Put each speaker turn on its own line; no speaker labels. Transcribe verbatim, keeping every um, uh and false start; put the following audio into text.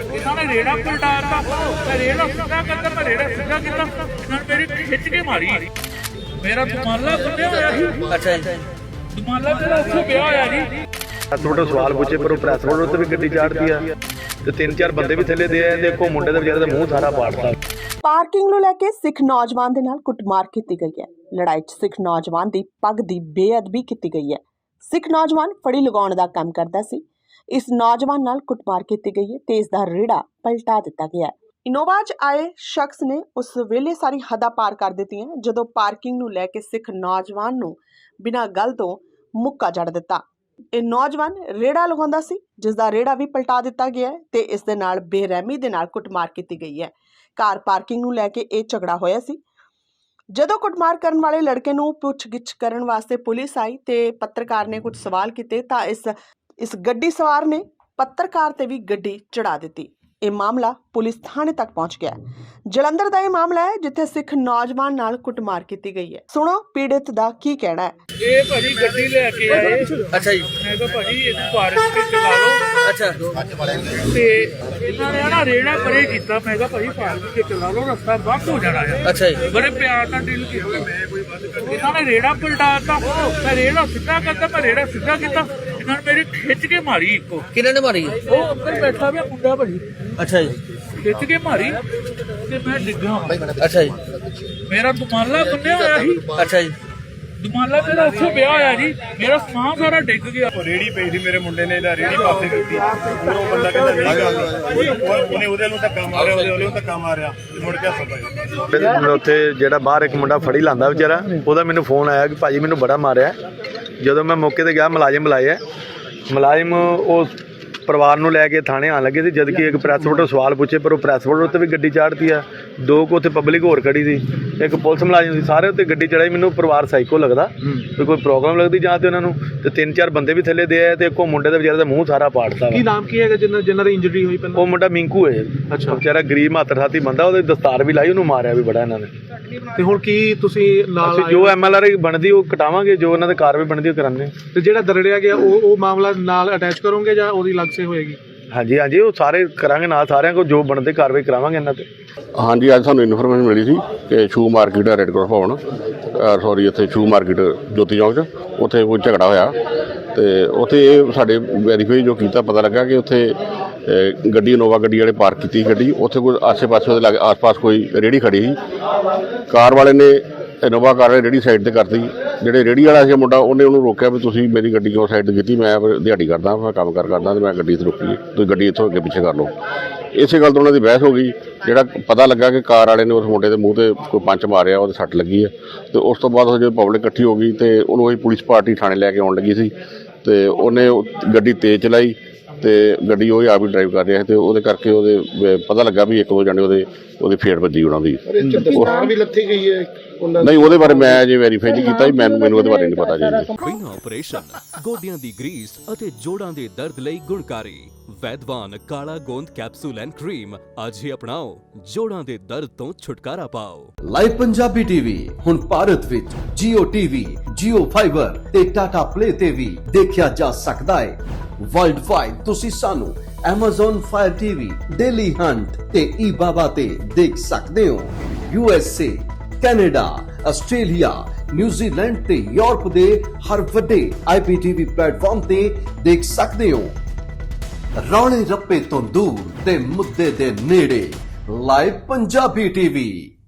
इन्होंने रेड़ा पलटाता, मैं रेड़ा सीधा करता, मैं रेड़ा सीधा किया, इन्होंने मेरी खिंच के मारी। मेरा दुमाला बंदे होया जी।
अच्छा जी।
दुमाला मेरा उत्थे पिया होया जी।
थोड़ा सवाल पूछे पर प्रैस रोड उत्ते भी गड्डी चाड़ती है ਤੇ ਤਿੰਨ ਚਾਰ ਬੰਦੇ ਵੀ ਥੱਲੇ ਦੇ ਆਏ ਦੇਖੋ ਮੁੰਡੇ ਦੇ ਵਿਚਾਰੇ ਦਾ ਮੂੰਹ ਸਾਰਾ ਪਾੜਤਾ।
ਪਾਰਕਿੰਗ ਨੂੰ ਲੈ ਕੇ ਸਿੱਖ ਨੌਜਵਾਨ ਦੇ ਨਾਲ ਕੁੱਟਮਾਰ ਕੀਤੀ ਗਈ ਹੈ। ਲੜਾਈ 'ਚ ਸਿੱਖ ਨੌਜਵਾਨ ਦੀ ਪੱਗ ਦੀ ਬੇਅਦਬੀ ਕੀਤੀ ਗਈ ਹੈ। ਸਿੱਖ ਨੌਜਵਾਨ ਫੜੀ ਲਗਾਉਣ ਦਾ ਕੰਮ ਕਰਦਾ ਸੀ। ਇਸ ਨੌਜਵਾਨ ਨਾਲ ਕੁੱਟਮਾਰ ਕੀਤੀ ਗਈ ਹੈ ਤੇ ਇਸ ਦਾ ਰੇੜਾ ਪਲਟਾ ਦਿੱਤਾ ਗਿਆ ਹੈ। ਇਨੋਵਾ 'ਚ ਆਏ ਸ਼ਖਸ ਨੇ ਉਸ ਵੇਲੇ ਸਾਰੀ ਹੱਦਾਂ ਪਾਰ ਕਰ ਦਿੱਤੀਆਂ ਜਦੋਂ ਪਾਰਕਿੰਗ ਨੂੰ ਲੈ ਕੇ ਸਿੱਖ ਨੌਜਵਾਨ ਨੂੰ ਬਿਨਾਂ ਗੱਲ ਤੋਂ ਮੁੱਕਾ ਜੜ ਦਿੱਤਾ। ਇਹ ਨੌਜਵਾਨ ਰੇੜਾ ਲਗਾਉਂਦਾ ਸੀ ਜਿਸ ਦਾ ਰੇੜਾ ਵੀ ਪਲਟਾ ਦਿੱਤਾ ਗਿਆ ਤੇ ਇਸ ਦੇ ਨਾਲ ਬੇਰਹਿਮੀ ਦੇ ਨਾਲ ਕੁੱਟਮਾਰ ਕੀਤੀ ਗਈ ਹੈ। ਕਾਰ ਪਾਰਕਿੰਗ ਨੂੰ ਲੈ ਕੇ ਇਹ ਝਗੜਾ ਹੋਇਆ ਸੀ। ਜਦੋਂ ਕੁੱਟਮਾਰ ਕਰਨ ਵਾਲੇ ਲੜਕੇ ਨੂੰ ਪੁੱਛਗਿੱਛ ਕਰਨ ਵਾਸਤੇ ਪੁਲਿਸ ਆਈ ਤੇ ਪੱਤਰਕਾਰ ਨੇ ਕੁਝ ਸਵਾਲ ਕੀਤੇ ਤਾਂ ਇਸ ਇਸ ਗੱਡੀ ਸਵਾਰ ਨੇ ਪੱਤਰਕਾਰ ਤੇ ਵੀ ਗੱਡੀ ਚੜਾ ਦਿੱਤੀ। ਇਹ ਮਾਮਲਾ ਪੁਲਿਸ ਥਾਣੇ ਤੱਕ ਪਹੁੰਚ ਗਿਆ। ਜਲੰਧਰ ਦਾ ਇਹ ਮਾਮਲਾ ਹੈ ਜਿੱਥੇ ਸਿੱਖ ਨੌਜਵਾਨ ਨਾਲ ਕੁੱਟਮਾਰ ਕੀਤੀ ਗਈ ਹੈ। ਸੁਣੋ ਪੀੜਿਤ ਦਾ ਕੀ ਕਹਿਣਾ ਹੈ।
ਇਹ ਭਾਜੀ ਗੱਡੀ ਲੈ ਕੇ ਆਏ।
ਅੱਛਾ ਜੀ।
ਮੈਂ ਕਿਹਾ ਭਾਜੀ ਇਹਨੂੰ ਪਾਰਕ ਤੇ ਚਲਾ ਲਓ।
ਅੱਛਾ
ਤੇ ਇਹਨਾਂ ਨੇ ਨਾ ਰੇੜਾ ਪਰੇ ਕੀਤਾ। ਮੈਂ ਕਿਹਾ ਭਾਜੀ ਪਾਰਕ ਤੇ ਚਲਾ ਲਓ, ਰਸਤਾ ਬੰਦ ਹੋ ਜਾਣਾ ਹੈ।
ਅੱਛਾ ਜੀ।
ਬੜੇ ਪਿਆਰ ਨਾਲ ਡੀਲ ਕੀਤਾ। ਇਹਨਾਂ ਨੇ ਰੇੜਾ ਪਲਟਾਤਾ, ਮੈਂ ਰੇੜਾ ਸਿੱਧਾ ਕਰਤਾ, ਮੈਂ ਰੇੜਾ ਸਿੱਧਾ ਕੀਤਾ, ਇਹਨਾਂ ਨੇ ਮੇਰੀ ਖਿੱਚ ਕੇ ਮਾਰੀ। ਇੱਕੋ
ਕਿਹਨਾਂ ਨੇ ਮਾਰੀ?
ਉਹ ਉੱਪਰ ਬੈਠਾ ਪਿਆ ਮੁੰਡਾ ਭਾਜੀ,
ਅੱਛਾ ਜੀ।
ਖਿੱਚ ਕੇ ਮਾਰੀ ਤੇ ਮੈਂ ਡਿੱਗਾ।
ਅੱਛਾ ਜੀ।
ਮੇਰਾ ਦੁਮਾਲਾ ਬੰਨਿਆ ਹੋਇਆ ਸੀ।
ਅੱਛਾ ਜੀ।
ਦੁਮਾਲਾ ਮੇਰਾ ਉੱਥੇ ਪਿਆ ਹੋਇਆ ਜੀ। ਮੇਰਾ ਸਮਾਨ ਸਾਰਾ ਡਿੱਗ ਗਿਆ।
ਰੇੜੀ ਪਈ ਸੀ ਮੇਰੇ ਮੁੰਡੇ ਨੇ, ਇਹਦਾ ਰੇੜੀ ਪਾਸੇ ਕੀਤੀ। ਉਹ ਬੰਦਾ ਕਹਿੰਦਾ ਨਹੀਂ ਗੱਲ, ਉਹਨੇ ਉਹਦੇ ਨੂੰ ਧੱਕਾ ਮਾਰਿਆ, ਉਹਦੇ ਉਹਨੂੰ ਧੱਕਾ ਮਾਰਿਆ ਤੇ ਮੁੜ ਕੇ ਹੱਥ ਪਾਇਆ।
ਉੱਥੇ ਜਿਹੜਾ ਬਾਹਰ ਇੱਕ ਮੁੰਡਾ ਫੜੀ ਲਾਂਦਾ ਵਿਚਾਰਾ, ਉਹਦਾ ਮੈਨੂੰ ਫੋਨ ਆਇਆ ਕਿ ਭਾਜੀ ਮੈਨੂੰ ਬੜਾ ਮਾਰਿਆ। ਜਦੋਂ ਮੈਂ ਮੌਕੇ ਤੇ ਗਿਆ ਮੁਲਾਜ਼ਮ ਬੁਲਾਏ, ਮੁਲਾਜ਼ਮ ਉਹ ਪਰਿਵਾਰ ਨੂੰ ਲੈ ਕੇ ਥਾਣੇ ਆਉਣ ਲੱਗੇ ਸੀ। ਜਦ ਕਿ ਇੱਕ ਪ੍ਰੈਸ ਫੋਟੋ ਸਵਾਲ ਪੁੱਛੇ ਪਰ ਉਹ ਪ੍ਰੈਸ ਫੋਟੋ ਉੱਤੇ ਵੀ ਗੱਡੀ ਚਾੜਤੀ ਆ। ਦੋ ਕੁ ਉੱਥੇ ਪਬਲਿਕ ਹੋਰ ਖੜੀ ਸੀ, ਇੱਕ ਪੁਲਿਸ ਮੁਲਾਜ਼ਮ ਸੀ, ਸਾਰੇ ਉੱਤੇ ਗੱਡੀ ਚੜਾਈ। ਮੈਨੂੰ ਪਰਿਵਾਰ ਸਾਈਕੋ ਲੱਗਦਾ ਤੇ ਕੋਈ ਪ੍ਰੋਬਲਮ ਲੱਗਦੀ ਜਾਂ ਤੇ ਉਹਨਾਂ ਨੂੰ। ਤੇ ਤਿੰਨ ਚਾਰ ਬੰਦੇ ਵੀ ਥੱਲੇ ਦੇ ਆਏ ਤੇ ਇੱਕੋ ਮੁੰਡੇ ਦੇ ਵਿਚਾਰੇ ਦਾ ਮੂੰਹ ਸਾਰਾ ਪਾੜਤਾ।
ਕੀ ਨਾਮ ਕੀ ਹੈਗਾ ਜਿਨ੍ਹਾਂ ਜਿਨ੍ਹਾਂ ਦੀ ਇੰਜਰੀ ਹੋਈ?
ਉਹ ਮੁੰਡਾ ਮਿੰਕੂ ਹੈ।
ਅੱਛਾ।
ਵਿਚਾਰਾ ਗਰੀਬ ਮਾਤਰ ਸਾਥੀ ਬੰਦਾ, ਉਹਦੇ ਦਸਤਾਰ ਵੀ ਲਾਈ, ਉਹਨੂੰ ਮਾਰਿਆ ਵੀ ਬੜਾ ਇਹਨਾਂ ਨੇ।
ਤੇ ਹੁਣ ਕੀ ਤੁਸੀਂ ਨਾਲ
ਜੋ ਐਮ ਐਲ ਆਰ ਬਣਦੀ ਉਹ ਕਟਾਵਾਂਗੇ, ਜੋ ਉਹਨਾਂ ਦੇ ਕਾਰਵਾਈ ਬਣਦੀ ਉਹ ਕਰਾਂਗੇ।
ਤੇ ਜਿਹੜਾ ਦਰੜਿਆ ਗਿਆ ਉਹ ਉਹ ਮਾਮਲਾ ਨਾਲ ਅਟੈਚ ਕਰੋਗੇ ਜਾਂ ਉਹਦੀ ਅਲੱਗ ਸੇ ਹੋਏਗੀ?
ਹਾਂਜੀ ਹਾਂਜੀ, ਉਹ ਸਾਰੇ ਕਰਾਂਗੇ ਨਾਲ, ਸਾਰਿਆਂ ਕੋਲ ਜੋ ਬਣਦੇ ਕਾਰਵਾਈ ਕਰਾਵਾਂਗੇ ਇਹਨਾਂ ਤੇ।
ਹਾਂਜੀ, ਅੱਜ ਸਾਨੂੰ ਇਨਫੋਰਮੇਸ਼ਨ ਮਿਲੀ ਸੀ ਕਿ ਸ਼ੂ ਮਾਰਕੀਟ ਹੈ ਰੈੱਡ ਕ੍ਰਾਸ ਭਵਨ, ਸੌਰੀ ਇੱਥੇ ਸ਼ੂ ਮਾਰਕੀਟ ਜੋਤੀ ਚੌਂਕ 'ਚ ਉੱਥੇ ਕੋਈ ਝਗੜਾ ਹੋਇਆ। ਤੇ ਉੱਥੇ ਇਹ ਸਾਡੇ ਵੈਰੀਫਾਈ ਜੋ ਕੀਤਾ ਪਤਾ ਲੱਗਾ ਕਿ ਉੱਥੇ ਗੱਡੀ ਇਨੋਵਾ ਗੱਡੀ ਵਾਲੇ ਪਾਰਕ ਕੀਤੀ ਗੱਡੀ, ਉੱਥੇ ਕੋਈ ਆਸੇ ਪਾਸੇ ਉਹਦੇ ਲਾਗੇ ਆਸ ਪਾਸ ਕੋਈ ਰੇਹੜੀ ਖੜੀ ਸੀ। ਕਾਰ ਵਾਲੇ ਨੇ ਇਨੋਵਾ ਕਾਰ ਵਾਲੇ ਰੇਹੜੀ ਸਾਈਡ 'ਤੇ ਕਰਤੀ। ਜਿਹੜੇ ਰੇਹੜੀ ਵਾਲਾ ਸੀ ਮੁੰਡਾ, ਉਹਨੇ ਉਹਨੂੰ ਰੋਕਿਆ ਵੀ ਤੁਸੀਂ ਮੇਰੀ ਗੱਡੀ ਕਿਉਂ ਸਾਈਡ 'ਤੇ ਕੀਤੀ, ਮੈਂ ਦਿਹਾੜੀ ਕਰਦਾ, ਮੈਂ ਕੰਮ ਕਾਰ ਕਰਦਾ ਅਤੇ ਮੈਂ ਗੱਡੀ 'ਤੇ ਰੋਕੀ, ਤੁਸੀਂ ਗੱਡੀ ਇੱਥੋਂ ਅੱਗੇ ਪਿੱਛੇ ਕਰ ਲਓ। ਇਸੇ ਗੱਲ ਤੋਂ ਉਹਨਾਂ ਦੀ ਬਹਿਸ ਹੋ ਗਈ। ਜਿਹੜਾ ਪਤਾ ਲੱਗਾ ਕਿ ਕਾਰ ਵਾਲੇ ਨੇ ਉਸ ਮੁੰਡੇ ਦੇ ਮੂੰਹ 'ਤੇ ਕੋਈ ਪੰਚ ਮਾਰਿਆ, ਉਹਦੇ ਸੱਟ ਲੱਗੀ ਹੈ। ਅਤੇ ਉਸ ਤੋਂ ਬਾਅਦ ਉਹ ਜਦੋਂ ਪਬਲਿਕ ਇਕੱਠੀ ਹੋ ਗਈ ਅਤੇ ਉਹਨੂੰ ਉਹੀ ਪੁਲਿਸ ਪਾਰਟੀ ਥਾਣੇ ਲੈ ਕੇ ਆਉਣ ਲੱਗੀ ਸੀ ਅਤੇ ਉਹਨੇ ਗੱਡੀ ਤੇਜ਼ ਚਲਾਈ ਅਤੇ ਗੱਡੀ ਉਹ ਆਪ ਹੀ ਡਰਾਈਵ ਕਰ ਰਿਹਾ ਅਤੇ ਉਹਦੇ ਕਰਕੇ ਉਹਦੇ ਪਤਾ ਲੱਗਾ ਵੀ ਇੱਕ ਦੋ ਜਣੇ ਉਹਦੇ ਉਹਦੀ ਫੇਟ ਵੱਜੀ ਉਹਨਾਂ ਦੀ।
ਵੀ ਲੱਥੀ ਗਈ ਹੈ?
ਨਹੀਂ, ਉਹਦੇ ਬਾਰੇ ਮੈਂ ਅਜੇ ਵੈਰੀਫਾਈ ਨਹੀਂ ਕੀਤਾ ਜੀ, ਮੈਨੂੰ ਮੈਨੂੰ ਉਹਦੇ ਬਾਰੇ ਨਹੀਂ ਪਤਾ ਜੀ।
ਬਿਨਾਂ ਆਪਰੇਸ਼ਨ ਗੋਡਿਆਂ ਦੀ ਗਰੀਸ ਅਤੇ ਜੋੜਾਂ ਦੇ ਦਰਦ ਲਈ ਗੁਣਕਾਰੀ ਵੈਦਵਾਨ ਕਾਲਾ ਗੋਂਦ ਕੈਪਸੂਲ ਐਂਡ ਕਰੀਮ ਅੱਜ ਹੀ ਅਪਣਾਓ, ਜੋੜਾਂ ਦੇ ਦਰਦ ਤੋਂ ਛੁਟਕਾਰਾ ਪਾਓ।
ਲਾਈਵ ਪੰਜਾਬੀ ਟੀਵੀ ਹੁਣ ਭਾਰਤ ਵਿੱਚ ਜੀਓ ਟੀਵੀ, ਜੀਓ ਫਾਈਬਰ ਤੇ ਟਾਟਾ ਪਲੇ ਤੇ ਵੀ ਦੇਖਿਆ ਜਾ ਸਕਦਾ ਹੈ। ਵਰਲਡ ਵਾਈਡ ਤੁਸੀਂ ਸਾਨੂੰ Amazon Fire T V, Dailyhunt ਤੇ ਈ ਬਾਬਾ ਤੇ ਦੇਖ ਸਕਦੇ ਹੋ। U S A, Canada, Australia, New Zealand ਤੇ ਯੂਰਪ ਦੇ ਹਰ ਵੱਡੇ ਆਈ ਪੀ ਟੀ ਵੀ ਪਲੇਟਫਾਰਮ ਤੇ ਦੇਖ ਸਕਦੇ ਹੋ। ਰੌਲੇ ਰੱਪੇ ਤੋਂ ਦੂਰ ਤੇ ਮੁੱਦੇ ਦੇ ਨੇੜੇ ਲਾਈਵ ਪੰਜਾਬੀ ਟੀਵੀ।